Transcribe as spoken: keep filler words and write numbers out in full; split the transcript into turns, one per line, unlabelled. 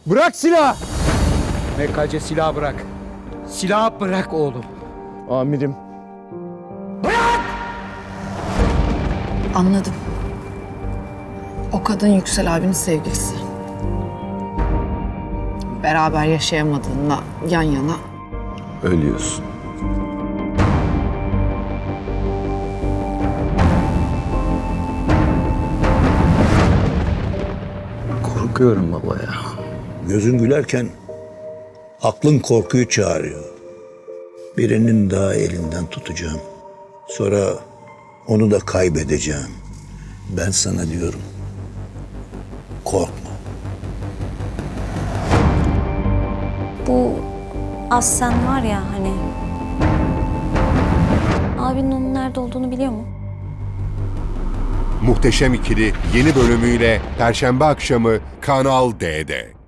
Bırak silah! M K C silah bırak. Silah bırak oğlum.
Amirim.
Anladım. O kadın Yüksel abinin sevgilisi. Beraber yaşayamadığında yan yana.
Ölüyorsun. Korkuyorum baba ya.
Gözün gülerken aklın korkuyu çağırıyor. Birinin daha elinden tutacağım. Sonra onu da kaybedeceğim. Ben sana diyorum. Korkma.
Bu Aslen var ya hani... Abinin onun nerede olduğunu biliyor mu?
Muhteşem İkili yeni bölümüyle Perşembe akşamı Kanal D'de.